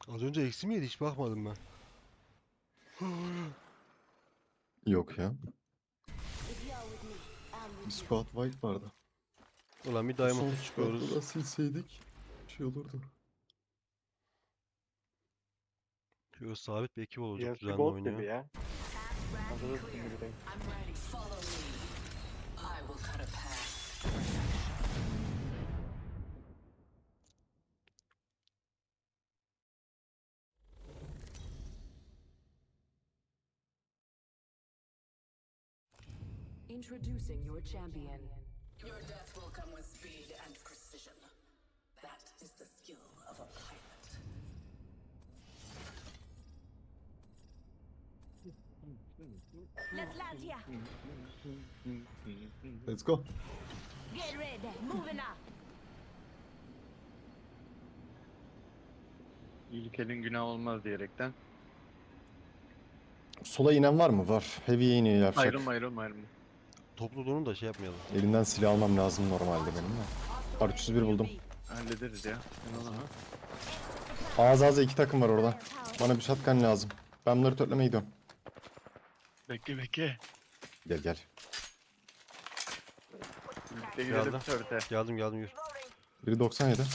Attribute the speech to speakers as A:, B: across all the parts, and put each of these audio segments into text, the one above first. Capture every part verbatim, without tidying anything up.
A: Az önce eksi miydi? Hiç bakmadım ben.
B: Yok ya. Bir squad wipe vardı.
A: Ulan bir
B: Bu son
A: diamond'la
B: squad'da
A: çıkıyoruz.
B: da silseydik şey olurdu.
A: Şöyle sabit bir ekip olacak
C: Yarısı
A: düzenli
C: gold gibi
A: oynuyor.
C: ya. Hazırız şimdi.
D: Follow me. I will cut a path.
E: Introducing your champion.
D: Your death will come with speed and precision. That is the skill of a pilot.
F: Let's land here.
B: Let's go.
F: Get ready. Moving up.
C: İlkelin günah olmaz diyerekten.
B: Sola inen var mı? Var. Heavy'ye iniyor yapacak.
C: Ayrılma ayrılma ayrılma.
A: Toplu durun da şey yapmayalım.
B: Elinden silah almam lazım normalde benim de. R üç yüz bir buldum.
C: Hallederiz ya. Sen onu.
B: Ağız ağza iki takım var orada. Bana bir shotgun lazım. Ben bunları törtlemeye gidiyorum.
C: Bekle bekle.
B: Gel gel.
C: Birlikte gidelim
A: Geldim.
C: törte.
A: Geldim geldim yürü.
B: Biri doksan yedi.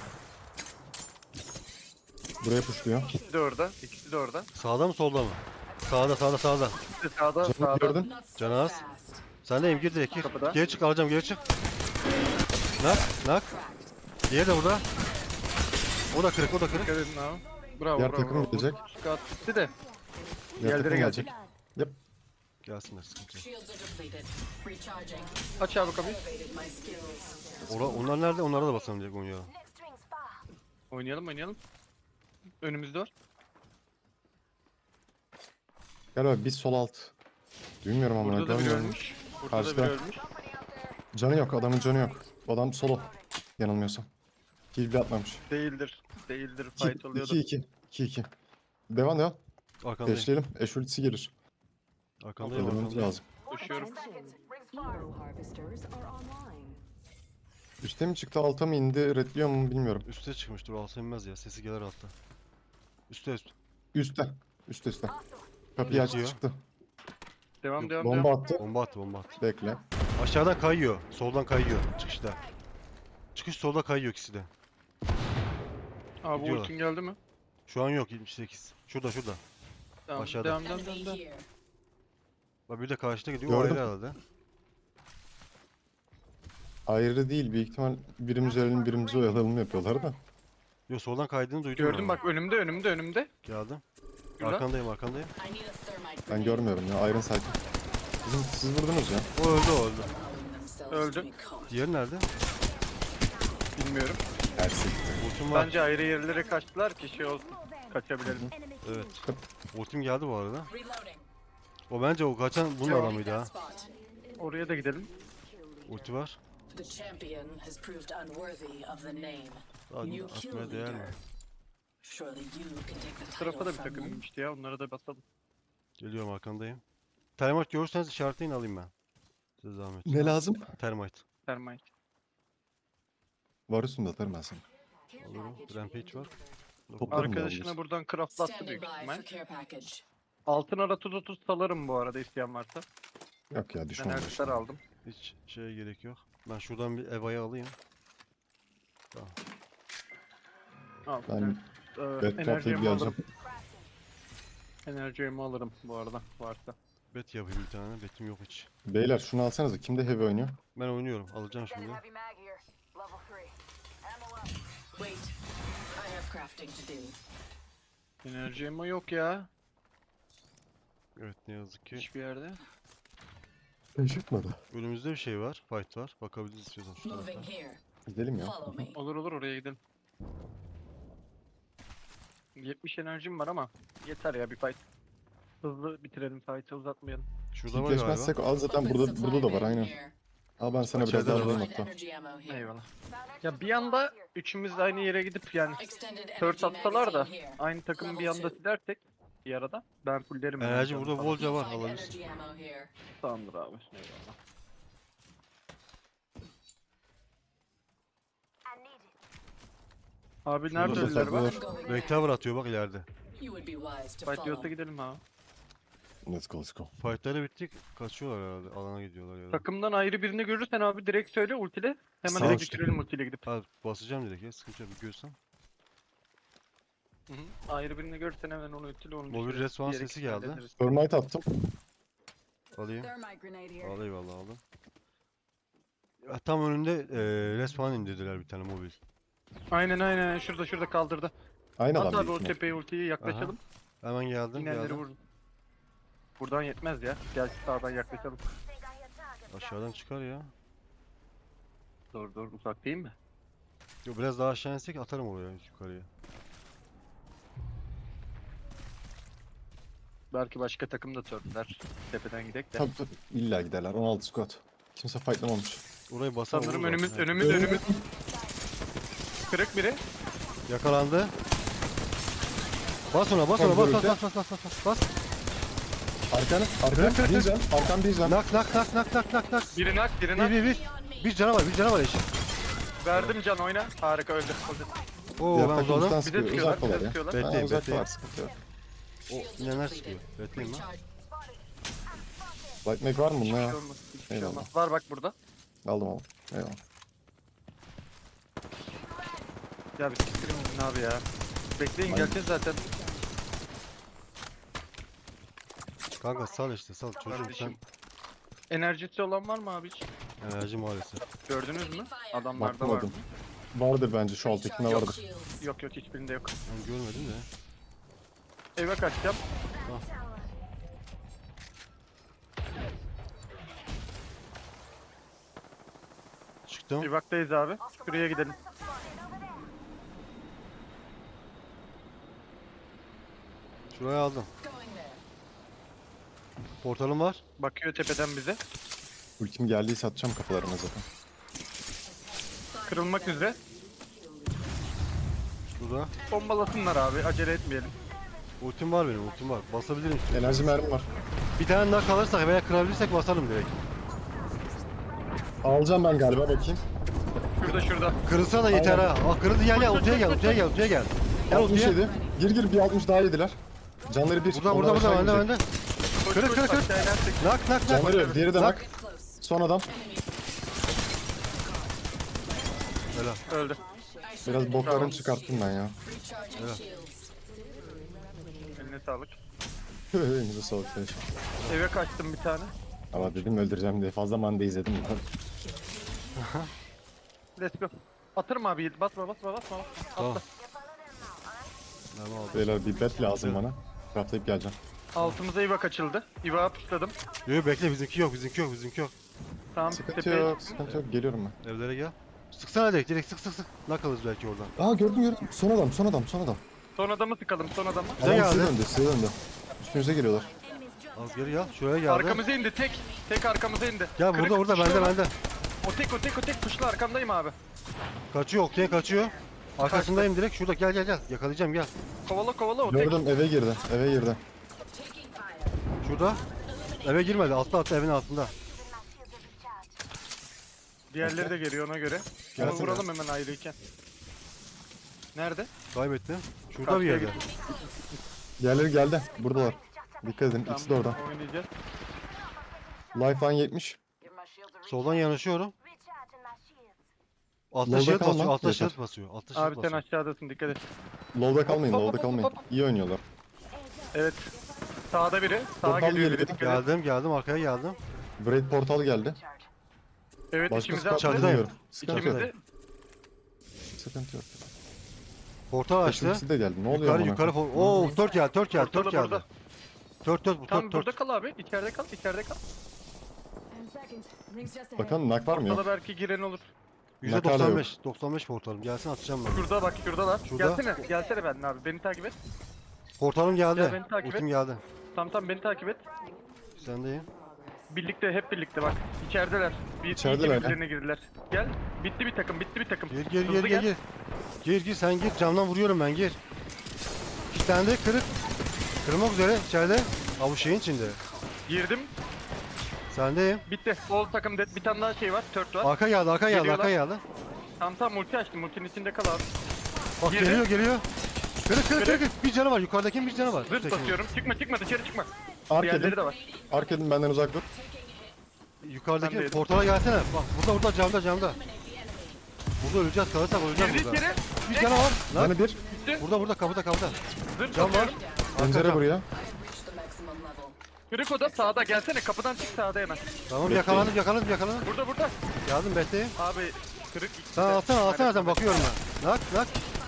B: Buraya puşluyor.
C: İkisi de orada. İkisi de orada.
A: Sağda mı solda mı? Sağda sağda sağda.
C: İkisi de sağda
B: Canım
C: sağda.
B: gördün.
D: Not so
A: Canaz.
D: fast.
A: Sen de gir direkt gir.
C: Kapıda.
A: Geri çık alacağım geri çık. Nak nak. Diğeri de burada. O da kırık o da kırık.
C: Dikkat edin abi. Bravo
B: Diğer
C: bravo.
B: takım
C: bravo.
B: gelecek.
C: Squad bitti de.
B: Diğer
C: Yerlere
B: takım
C: gelecek.
B: gelecek.
A: Gelsinler sıkıntı yok.
D: Shields are depleted. Recharging.
C: Aç abi kapıyı.
D: Elevated my skills.
A: Ora, onlar nerede? Onlara da basalım direkt oynuyor.
F: Next ring's far.
C: Oynayalım oynayalım. Önümüzde var.
B: Gel abi biz sol alt. Bilmiyorum ama
C: Burada da biri
B: görmüyorum.
C: ölmüş. Burada
B: Karşıda.
C: da biri ölmüş.
B: Canı yok, adamın canı yok. Adam solo. Yanılmıyorsam. Kill bile atmamış.
C: Değildir. Değildir.
B: iki
C: Fight oluyordu.
B: iki iki. iki iki. Devam devam.
A: Arkandayım.
B: Eşleyelim. Eş ultisi gelir.
A: Arkandayım
B: Öldürmemiz
A: arkandayım.
B: lazım.
C: Koşuyorum.
E: Hero harvesters are online.
B: Üste mi çıktı, alta mı indi, redliyor mu bilmiyorum.
A: Üste çıkmıştır o alta inmez ya. Sesi gelir altta. Üste üst.
B: Üste. Üste üste. Kapıyı açtı
A: Yatıyor.
B: çıktı.
C: Devam
A: Yok,
C: devam
B: Bomba
C: devam.
B: attı.
A: Bomba attı bomba attı.
B: Bekle.
A: Aşağıdan kayıyor. Soldan kayıyor. Çıkışta. Çıkış solda kayıyor ikisi de.
C: Abi
A: Gidiyorlar.
C: ultin geldi mi?
A: Şu an yok yetmiş sekiz. Şurada şurada.
C: Tamam.
A: Aşağıda.
C: Devam devam devam.
D: Enemy
C: devam.
D: here.
A: Bak bir de karşıda gidiyor. O
B: Gördüm.
A: ayrı herhalde.
B: Ayrı değil. Büyük ihtimal birimiz ölelim birimizi oyalayalım yapıyorlar da.
A: Yo soldan kaydığını duydum.
C: Gördüm
A: ben.
C: bak önümde önümde önümde.
A: Geldim.
C: Şurada.
A: Arkandayım arkandayım.
D: I need a thermite
B: Ben
D: grenade.
B: görmüyorum ya. Iron Sight. Sizin, siz vurdunuz ya.
A: O öldü o öldü.
D: Allowing themselves
C: Öldü.
D: to be caught.
A: Diğeri nerede?
C: Bilmiyorum.
B: Ersin.
A: Ultim var.
C: Bence ayrı yerlere kaçtılar ki şey olsun. Kaçabilelim.
F: Enemy.
A: Evet. Ultim geldi bu arada.
D: Reloading.
A: O bence o kaçan bunun
C: Yok.
A: adamıydı ha.
D: That spot.
C: Oraya da gidelim.
A: Ulti var.
D: The champion has proved unworthy of the name.
A: Hadi
D: New kill
A: atmaya değer mi?
D: leader. Surely you can take the
C: Bu tarafa
D: title
C: da bir
D: from
C: takım
D: them.
C: inmişti ya. Onlara da basalım.
A: Geliyorum arkandayım. Termite görürseniz işaretleyin alayım ben. Size zahmet.
B: Ne lazım?
A: Termite.
C: Termite.
B: Var üstünde atarım ben sana.
A: Alırım. Rampage var.
B: Toplarım da
C: Arkadaşına
B: alırız.
C: buradan craftlattı
D: Standing
C: büyük
D: by
C: ihtimal.
D: for care package.
C: Altın ara tuz otuz salarım bu arada isteyen varsa.
B: Yok ya
C: Ben
B: düşman
C: elbisler
B: başına.
C: aldım.
A: Hiç şeye gerek yok. Ben şuradan bir Eva'yı alayım.
C: Al.
B: Ben
C: Ee,
B: bet
C: enerji
B: toplayıp
C: yemi
B: geleceğim.
C: alırım. Enerji yemi alırım bu arada varsa.
A: Bet yapayım bir tane. Betim yok hiç.
B: Beyler şunu alsanıza. Kimde heavy oynuyor?
A: Ben oynuyorum. Alacağım şimdi.
F: Heavy mag here. Level three. Ammo up.
D: Wait. I have crafting to do.
C: Enerji yemi yok ya.
A: Evet ne yazık ki.
C: Hiçbir yerde.
B: Şaşırtmadı.
A: Önümüzde bir şey var. Fight var. Bakabiliriz istiyorsan şu tarafa.
D: Moving here.
B: Gidelim ya.
D: Follow me.
C: Olur olur oraya gidelim. yetmiş enerjim var ama yeter ya bir fight. Hızlı bitirelim fight'ı uzatmayalım.
A: Şurada var galiba.
B: Kitleşmezsek al zaten
D: Open
B: burada
D: supply
B: burada da var
D: bin
B: aynen.
D: here.
B: Al ben sana biraz
A: İçeride
B: daha
A: de var.
B: alayım
D: Find
B: hatta.
D: energy ammo here.
C: Eyvallah.
F: Found extra
C: Ya bir anda
F: supplies here.
C: üçümüz de aynı yere gidip yani
D: Extended
C: Third
D: energy
C: atsalar da
D: magazine here.
C: aynı takımı bir
D: Level
C: anda
D: two.
C: silersek bir arada ben fullerim. yani
A: Enerji
C: canım
A: burada
C: falan.
A: bolca var.
D: Find
A: Alabilirsin.
D: energy ammo here.
C: Tamamdır abi. Eyvallah.
F: I need it.
C: Abi nerede
B: Burada
C: ölüler var?
B: saklıyorlar.
A: Rectover atıyor bak ileride.
D: You would be wise to
C: Fight diyorsa
D: follow.
C: gidelim abi.
B: Let's go let's go.
A: Fightları bittik. Kaçıyorlar herhalde. Alana gidiyorlar ya da.
C: Takımdan ayrı birini görürsen abi direkt söyle ultile. Hemen
B: Sağ
C: direkt
B: uçta.
C: bitirelim ultiyle gidip.
A: Ha basacağım direkt ya. Sıkıntı yok. Bir görsem.
C: Hı hı. Ayrı birini görürsen hemen onu ultiyle onu
A: Mobil
C: düşürürüz.
A: respawn
C: Diğer
A: sesi
C: ikisini
A: geldi.
C: hallederiz.
B: Thermite attım.
A: Alayım.
D: Thermite grenade here.
A: Al eyvallah aldım. Ya, tam önünde e, respawn indirdiler bir tane mobil.
C: Aynen aynen şurada şurada kaldırdı.
B: Aynı
C: At
B: adam
C: abi
B: büyük
C: o
B: ihtimal.
C: tepeye ultiyi yaklaşalım.
A: Hemen geldim
C: İnenleri
A: geldim.
C: vurun. Buradan yetmez ya. Gel sağdan yaklaşalım.
A: Aşağıdan çıkar ya.
C: Doğru doğru uzak değil mi?
A: Yo, biraz daha aşağı insek atarım oraya yukarıya.
C: Belki başka takım da törpüler. Tepeden gidek de.
B: Tabii tabii. İlla giderler. on altı squad. Kimse fightlamamış.
A: Orayı basar
C: Sanırım
A: vururlar.
C: önümüz
A: Evet.
C: önümüz önümüz. Kırık biri.
A: Yakalandı. Bas ona bas
B: Tam
A: ona bas
B: görüldü.
A: bas bas bas bas bas bas.
B: Arkanı,
A: Kır, kır,
B: arkan,
A: kır.
B: bir can, arkan bir can.
A: Nak nak nak nak nak nak nak.
C: Biri nak biri
A: Bir
C: nak.
A: bir bir. Bir canavar bir canavar eşit.
C: Verdim can oyna. Harika öldü. öldü.
A: Oo
B: Diğer
A: ben
B: takım
A: uzadım.
B: bizden
C: Bize
B: sıkıyor.
C: sıkıyorlar.
B: Uzak
C: Bize
B: ya.
C: sıkıyorlar.
A: Bekleyin,
B: Ha, uzak
A: bekleyin.
B: var, sıkıntı yok.
A: O inenler sıkıyor. Bekleyin lan.
B: Light make var mı bunda
C: Hiçbir
B: ya?
C: şey olmaz. Hiçbir şey
B: Eyvallah.
C: olmaz. Var bak burada.
B: Aldım aldım. Eyvallah.
C: Ya bir siktirin gidin abi ya. Bekleyin
B: Aynen.
C: geleceğiz zaten.
A: Kanka sal işte sal çocuğum sen
C: Kardeşim. Enerjisi olan var mı abi hiç?
A: enerji maalesef.
C: Gördünüz mü? Adamlarda var mı?
B: Bakmadım. Vardır bence şu alttakinde
D: Recharge
B: vardır.
D: shields.
C: Yok yok hiçbirinde yok.
A: Ben görmedim de.
C: Eve kaçacağım.
A: Çıktım.
C: Evaktayız abi. Şuraya gidelim.
A: Şuraya aldım.
D: Going there.
A: Portalım var.
C: Bakıyor tepeden bize.
B: Ultim geldiyse atacağım kafalarına zaten.
C: Kırılmak üzere.
A: Şurada.
C: Bombalasınlar abi. Acele etmeyelim.
A: Ultim var benim ultim var. Basabilirim istiyorsan.
B: Enerji mermi var.
A: Bir tane daha kalırsak veya kırabilirsek basarım direkt.
B: Alacağım ben galiba bakayım.
C: Şurada şurada.
A: Kırılsa da yeter ha. Aa kırıldı gel gel ultiye gel ultiye gel ultiye gel. Gel
B: altmış
A: ultiye.
B: yedi. Gir gir bir altmış daha yediler. Canları bir.
A: Burada
B: onlar
A: burada burada
B: aşağı
A: bende
B: gidecek.
A: bende.
C: Koş,
A: Kırık,
C: koş,
A: kırık, kırık.
C: aşağı inersek.
A: Nak nak nak.
B: Canları yok. Diğeri de
A: Nak.
B: nak.
D: Close.
B: Son adam.
A: Helal.
C: Öldü.
B: Biraz boklarını çıkarttım ben ya.
D: Recharging shields.
C: Eline sağlık.
B: Elinize sağlık. Flash.
C: Eve kaçtım bir tane.
B: Ama dedim öldüreceğim diye fazla manda izledim.
C: Let's go. Atırım abi. Basma basma basma.
A: Tamam. Tamam aldım.
B: Beyler bir bet lazım bana. Craftlayıp geleceğim.
C: Altımıza Ivak açıldı. Ivak'a puşladım.
A: Yok bekle bizimki yok bizimki yok bizimki yok.
C: Tamam
B: Sıkıntı
C: tepeye
B: yok, sıkıntı yok. Geliyorum ben.
A: Evlere gel. Sıksana direkt direkt sık sık sık. Nak alırız belki oradan.
B: Aa gördüm gördüm. Son adam, son adam, son adam.
C: Son adamı sıkalım son adamı.
A: Bize
B: Adam size
A: geldi.
B: döndü, size döndü. Üstünüze geliyorlar.
A: Az geri gel. Şuraya geldi.
C: Arkamıza indi tek. Tek arkamıza indi.
A: Gel
C: Kırık,
A: burada burada bende
C: puşluyorlar.
A: bende.
C: O tek o tek o tek puşlu arkamdayım abi.
A: Kaçıyor okey kaçıyor. Arkasındayım direkt şurada gel gel gel. Yakalayacağım gel.
C: Kovala kovala o tek.
B: Gördüm eve girdi, eve girdi.
D: Taking fire.
A: Şurada. Eve girmedi. Altta altta evin altında.
C: Diğerleri de geliyor ona göre. Onu
A: Gelsene.
C: vuralım hemen ayrıyken. Nerede?
A: Kaybettim. Şurada bir
C: Karşıya
A: yerde.
C: gitti.
B: Diğerleri geldi, buradalar. Dikkat edin, ikisi de orada.
C: Oynayacağız.
B: Lifeline yetmiş.
F: Give my shield a recharge.
A: Soldan yanaşıyorum.
F: Recharging my shields.
A: Altta
B: Lolda
A: şerit
B: kalma,
A: basıyor. Altta
B: yeter.
A: şerit basıyor. Altta şerit
C: Abi sen
A: basıyor.
C: aşağıdasın dikkat et.
B: Low'da kalmayın,
C: Hop, hop,
B: low'da
C: hop,
B: kalmayın.
C: hop, hop.
B: İyi oynuyorlar.
C: Evet. Sağda biri. Sağa
B: Portal
C: geliyor biri
B: geliyor.
C: dikkat et.
A: Geldim geldim arkaya geldim.
B: Braid portal geldi.
F: Recharge.
C: Evet
B: Başka
C: içimize
B: squad
C: attı.
A: Çatıdayım.
B: bilmiyorum. Sıkıntı yok.
C: İçimize.
B: Sıkıntı yok.
A: Portal açtı.
B: Üçüncüsü de geldi. Ne oluyor
A: Yukarı
B: amına
A: yukarı.
B: koyayım?
A: por- Oo tört geldi tört geldi
C: Portalı
A: tört geldi.
C: burada.
A: Tört tört bu
C: Tam
A: tört
C: burada
A: tört.
C: kal abi. İçeride kal. içeride kal.
E: Ten seconds. Rings just ahead.
B: Bakalım nak var mı
C: Portala
B: yok?
C: belki giren olur.
A: yüzde
B: Nakala
A: doksan
B: yok.
A: beş. doksan beş portalım. Gelsin atacağım ben.
C: Şurada bak şuradalar.
A: Şurada.
C: Gelsene. Gelsene benden abi. Beni takip et.
A: Portalım
C: Gel
A: geldi.
C: beni takip
A: Ultim
C: et.
A: geldi.
C: Tam tam beni takip et.
A: Sendeyim.
C: Birlikte hep birlikte bak. İçerideler. Bir
B: İçerideler
C: iki
B: ya.
C: birbirlerine girdiler. Gel. Bitti bir takım. Bitti bir takım.
A: Gir gir
C: Hızlı
A: gir
C: gel.
A: gir gir. Gir gir sen gir. Camdan vuruyorum ben gir. İki tane de kırık. Kırmak üzere içeride. Ha bu şeyin içinde.
C: Girdim.
A: Sendeyim.
C: Bitti. All takım dead. Bir tane daha şey var. Tört var.
A: Arka geldi arka geldi
C: Geliyorlar.
A: arka geldi.
C: Tam tam multi açtım. Multinin içinde kal abi.
A: Bak
C: Girdi.
A: geliyor geliyor. Kırık kırık kırık. kırık. Bir canı var. Yukarıdakinin bir canı var.
C: Zırt
A: Üsttekinin.
C: basıyorum. Çıkma çıkma dışarı çıkma.
B: Ark
C: Diğerleri
B: edin.
C: de var.
B: Ark edin benden uzak dur.
A: Yukarıdaki
C: Ben de
A: portala gelsene. Bak burada burada camda camda. Burada öleceğiz, kalırsak öleceğiz
C: Girdi
A: burada.
C: içeri.
A: Bir canı var. Lan
B: Bana bir.
A: burada burada kapıda kapıda.
C: Zırt
A: Cam var.
C: basıyorum.
B: Pencere
A: cam.
B: buraya.
D: Reach the maximum level.
C: Kırık oda sağda gelsene. Kapıdan çık sağda hemen.
A: Tamam yakalandım yakalandım yakalandım.
C: Burada burada.
A: Geldim bekleyin.
C: Abi kırık ikisi
A: Sen
C: de.
A: alsana alsana
C: Aynen.
A: sen bakıyorum ben. Nak nak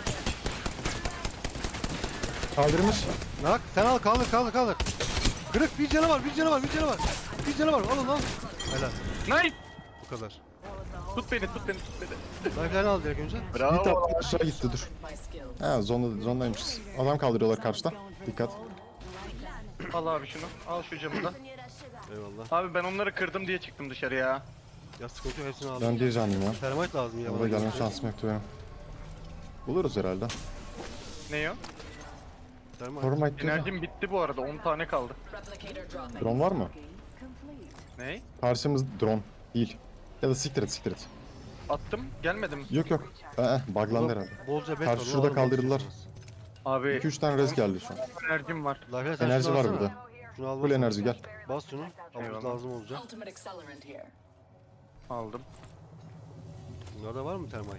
B: Kaldırmış.
A: nak. Sen al kaldır kaldır kaldır. Kırık bir canı var bir canı var bir canı var. Bir canı var alın lan. Helal
C: Nice.
A: bu kadar.
C: Tut beni tut beni tut beni.
A: Lifeline'ı al direkt önce.
B: Bir tap aşağı gitti dur.
D: My skills.
B: Ha zonda, zondaymışız. Adam kaldırıyorlar karşıda. Dikkat.
C: Al abi şunu. Al şu camı da.
A: Eyvallah.
C: Abi ben onları kırdım diye çıktım dışarıya.
A: Ya sıkıntı yok hepsini aldım.
B: Ben bir canlıyım ya.
A: Termite lazım ya.
B: Orada
A: bana.
B: gelme şansım yoktu benim. Buluruz herhalde.
C: Ne o?
A: Termite.
B: Formite diyor da.
C: Enerjim bitti bu arada. on tane kaldı.
D: Replicator dropping.
B: Drone var mı?
C: Ne?
B: Karşımız drone. Değil. Ya da siktir et siktir et.
C: Attım. Gelmedim.
B: Yok yok. Ee, buglandı herhalde.
A: Bolca bet
B: Karşı
A: var,
B: şurada
A: onu
B: kaldırdılar.
A: alın.
C: Abi
B: iki üç tane rez geldi şu an.
C: enerjim var.
A: Lifeline sen
B: Enerji
A: şunu
B: var
A: alsana.
B: burada.
A: Şunu al
B: Full
A: bas.
B: enerji gel.
A: Bas şunu. Ama
C: Eyvallah.
A: lazım olacak.
D: Ultimate accelerant here.
C: Aldım.
A: Bunlarda var mı termite?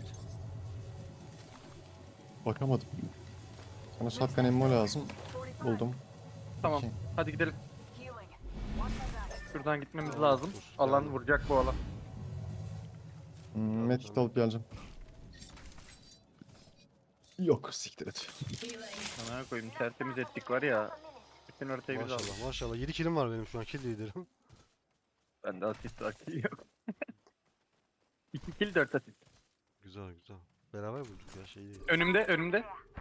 B: Bakamadım. Sana shotgun ammo lazım. Buldum.
C: Tamam.
B: Okey.
C: Hadi gidelim.
F: Healing.
C: Şuradan gitmemiz
A: Tamam,
C: lazım.
A: dur.
C: Alan
A: Geldim.
C: vuracak bu alan.
B: Hmm, medkit alıp geleceğim. Yok siktir et.
D: Healing.
C: Sana koyayım tertemiz ettik var ya. Bütün haritayı biz aldık.
A: Maşallah maşallah. yedi kilim var benim şu an kill liderim.
C: Bende asist akil yok. iki kill dört asist.
A: Güzel güzel. Beraber bulduk ya şey değil.
C: Önümde önümde.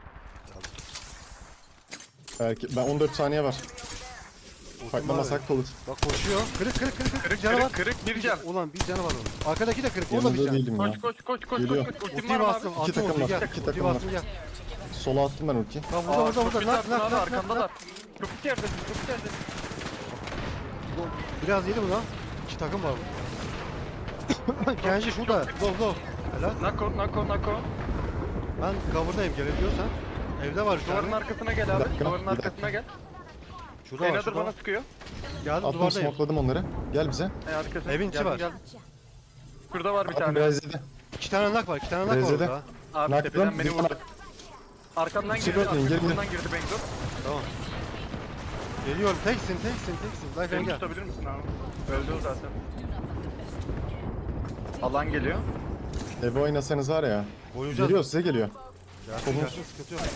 B: Belki ben on dört saniye var. Fightlamasak da olur.
A: Bak koşuyor. Kırık kırık kırık kırık.
C: Kırık
A: Bir canı var.
C: kırık kırık bir can.
A: Ulan bir canı var onun. Arkadaki de kırık. O da bir
B: Yanında
A: can.
B: değildim ya.
C: Koş koş koş koş
B: Geliyor.
C: koş. Ultim
A: Ultiyi
C: var mı abi?
A: bastım.
B: İki
A: Attım
B: takım
A: ultiyi
B: var,
A: gel.
B: iki
A: Ultiyi
B: takım var.
A: bastım gel.
B: Sola attım ben ultiyi.
A: Bak burada burada
C: çok
A: burada.
C: güzel
A: Nak nak
C: abi,
A: nak nak
C: arkandalar.
A: nak.
C: Çok içeride çok içeride.
A: Biraz yedi bu lan. İki takım var burada. Genji şurada. Go go. Helal.
C: Nako nako nako.
A: Ben cover'dayım gelebiliyorsan. Evde var şu
C: Duvarın
A: an.
C: arkasına gel
B: Bir
C: abi.
B: dakika,
C: Duvarın
B: bir dakika.
C: arkasına gel.
A: Şurada var
C: Enadır
A: şurada.
C: bana
A: var.
C: sıkıyor.
A: Geldim
B: Attım
A: duvardayım.
B: smokladım onları. Gel bize.
C: E arkasına.
A: Evin içi
C: Geldim,
A: var.
C: geldim. Şurada var bir
B: Attım
C: tane.
B: biraz yedi.
A: İki tane nak var. iki tane nak var
B: Rezede.
A: orada.
C: Abi
B: Nakladım,
C: tepeden beni
B: bir
C: vurdu.
B: tane-
C: Arkamdan
B: Çık
C: girdi.
B: bakayım, gel, gel.
C: Arkamdan girdi Bengdur.
A: Tamam. Geliyorum. Teksin teksin teksin. Life
C: Beni
A: engel.
C: tutabilir misin abi? Öldü o zaten. Alan geliyor.
B: Eve oynasanız var ya.
A: Oynayacağız.
B: Geliyor size geliyor.
A: Gelsin
B: Kolumuz-
A: gelsin sıkıntı yok.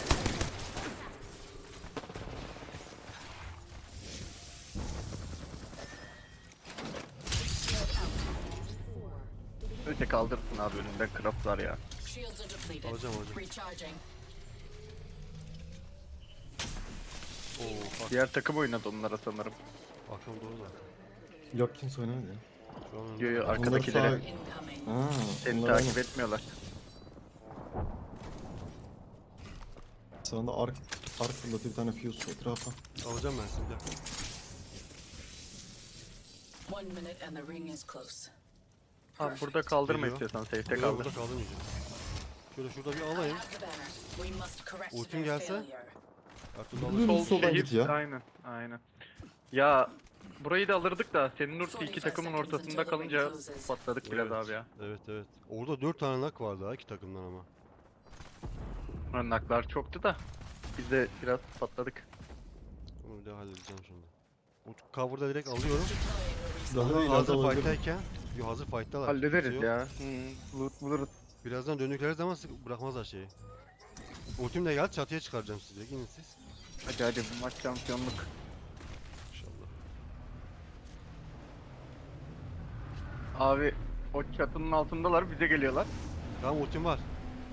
C: Öte kaldırsın abi önünde craftlar ya.
D: Shields are depleted.
A: Alacağım alacağım.
D: Recharging.
A: Oo bak.
C: Diğer takım oynadı onlara sanırım.
A: Bakalım doğru da.
B: Yok kimse oynamadı ya.
A: Şu an
C: Yo yo
B: Onları
C: arkadakileri.
B: sağ-
D: Incoming.
B: Ha,
C: Seni
B: onlar
C: takip etmiyorlar.
B: Sağında ark, ark fırlatıyor bir tane fuse etrafa.
A: alacağım ben şimdi.
D: One minute and the ring is close.
C: Abi burada kaldırma
A: Geliyor.
C: istiyorsan safe'te
A: Yok,
C: kaldır.
A: burada kaldırmayacağım. Şöyle şurada bir alayım.
D: Have the banner. We must correct
A: Ultim
D: their
A: gelse?
D: failure.
A: Aklımda
B: Sol-
A: alacağım.
C: Sol
B: soldan
C: şehir.
B: git ya.
C: Aynen aynen. Ya burayı da alırdık da senin ulti iki takımın ortasında kalınca patladık biraz
A: Evet.
C: abi ya.
A: Evet evet. Orada dört tane nak vardı ha iki takımdan ama.
C: Naklar çoktu da biz de biraz patladık.
A: Onu bir daha halledeceğim şimdi. Bu cover'da direkt alıyorum.
B: Daha
A: Hazır
B: ileride olabilir.
A: fight'tayken. Yo hazır fight'talar.
C: Hallederiz
A: Sıkıntı yok.
C: ya. Hı, loot buluruz.
A: Birazdan döndükleri zaman sık bırakmazlar şeyi. Ultim de geldi çatıya çıkaracağım sizi. Gidin siz.
C: Hadi hadi bu maç şampiyonluk.
A: İnşallah.
C: Abi o çatının altındalar bize geliyorlar.
A: Tamam ultim var.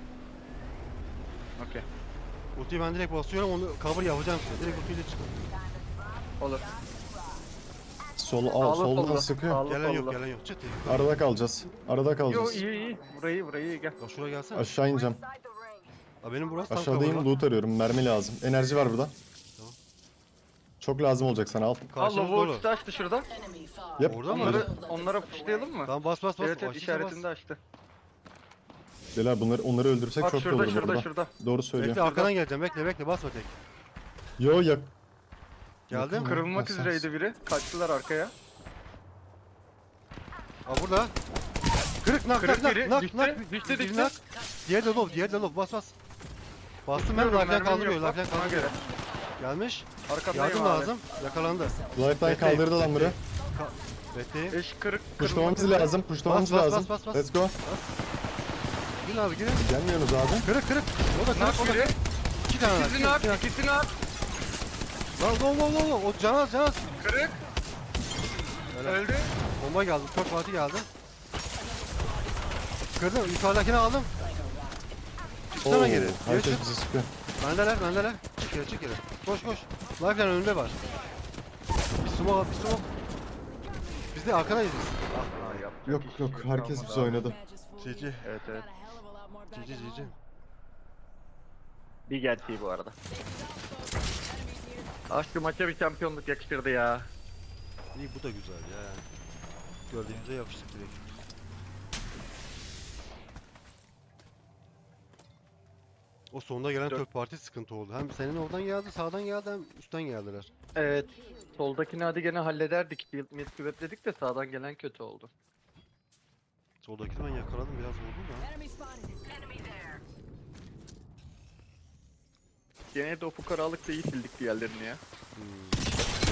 C: Okey.
A: Ultiyi ben direkt basıyorum onu cover yapacağım size. Direkt ultiyle çıkın.
C: Olur.
B: Sol, al,
C: Sağlı
B: soldan
C: sollu.
B: sıkıyor.
C: Sağlı
A: Gelen yok
C: sollu.
A: gelen yok. Çıt.
B: Arada kalacağız. Arada
C: Yo
B: kalacağız.
C: iyi iyi. Burayı burayı gel.
A: Ya şuraya gelsene.
B: Aşağı ineceğim.
F: Inside the ring.
A: Ha benim burası tam
B: Aşağıdayım
A: cover'da.
B: loot arıyorum. Mermi lazım. Enerji var burada.
A: Tamam.
B: Çok lazım olacak sana al.
C: Allah
A: Karşımız dolu.
C: Volks'u açtı şurada.
D: Enemy far.
B: Yap.
A: Orada mı?
C: Onları onlara fışlayalım mı?
A: Tamam bas bas bas.
C: Evet evet
A: Açınca
C: işaretinde açtı.
B: Beyler bunları onları öldürsek
C: Bak
B: çok iyi
C: şurada
B: olur
C: şurada
B: burada.
C: şurada.
B: Doğru söylüyor.
A: Bekle arkadan geleceğim. Bekle bekle basma tek.
B: Yo yak.
A: Geldim.
B: Yakın.
C: Kırılmak
B: Ha, sen-
C: üzereydi biri. Kaçtılar arkaya.
A: Aa burada. Kırık nak
C: Kırık
A: nak
C: biri.
A: nak
C: Düştü,
A: nak.
C: düştü,
A: Biri
C: düştü.
A: nak. Diğeri de low, diğeri de low. Bas bas. Bastım ben.
C: Tutuyorum,
A: Life'den
C: mermim
A: kaldırıyor.
C: yok.
A: Life'den
C: Ona
A: kaldırıyor.
C: göre.
A: Gelmiş.
C: Arkandayım
A: Yardım
C: abi.
A: lazım. Yakalandı.
B: Lifeline
A: Bekleyin,
B: kaldırdı lan biri.
A: Bekleyin.
C: Eş kırık.
B: Pushlamamız
C: kırılmak
B: lazım. Pushlamamız
A: Bas, bas,
B: lazım.
A: bas, bas, bas.
B: Let's go.
A: Girin abi girin.
B: Gelmiyorsunuz abi.
A: Kırık kırık. O da
C: üzere. Nak
A: kırık. O da
C: biri.
A: kırık. İki tane nak.
C: İkisini
A: iki
C: at.
A: tane.
C: İkisini at.
A: Lan low low low low. O canaz canaz.
C: Kırık.
A: Öyle.
C: Öldü.
A: Bomba geldi. Çok parti geldi. Kırdım. Yukarıdakini aldım. Çıksana
B: Oo,
A: geri. Geri
B: herkes
A: çık.
B: bizi sıkıyor.
A: Bendeler bendeler. Çık geri çık geri. Koş koş. Life'den önünde var. Bir smoke bir smoke. Biz de arkadayız biz.
C: Ah, yapacak
B: Yok
C: iş
B: yok herkes
C: kalmadı
B: bizi
C: abi.
B: oynadı.
A: G G.
C: Evet evet.
A: G G G G.
C: Bir gerçeği bu arada. Ah şu maça bir şampiyonluk yakıştırdı ya.
A: İyi bu da güzel ya. Gördüğümüze yapıştık direkt. O sonunda gelen
C: Dört.
A: third party sıkıntı oldu. Hem senin oradan geldi, sağdan geldi hem üstten geldiler.
C: Evet. Soldakini hadi gene hallederdik. Shield mid küvetledik de sağdan gelen kötü oldu.
A: Soldakini ben yakaladım biraz vurdum da.
E: Enemy spotted.
C: Gene de o fukaralıkla iyi sildik diğerlerini ya.
A: Hmm.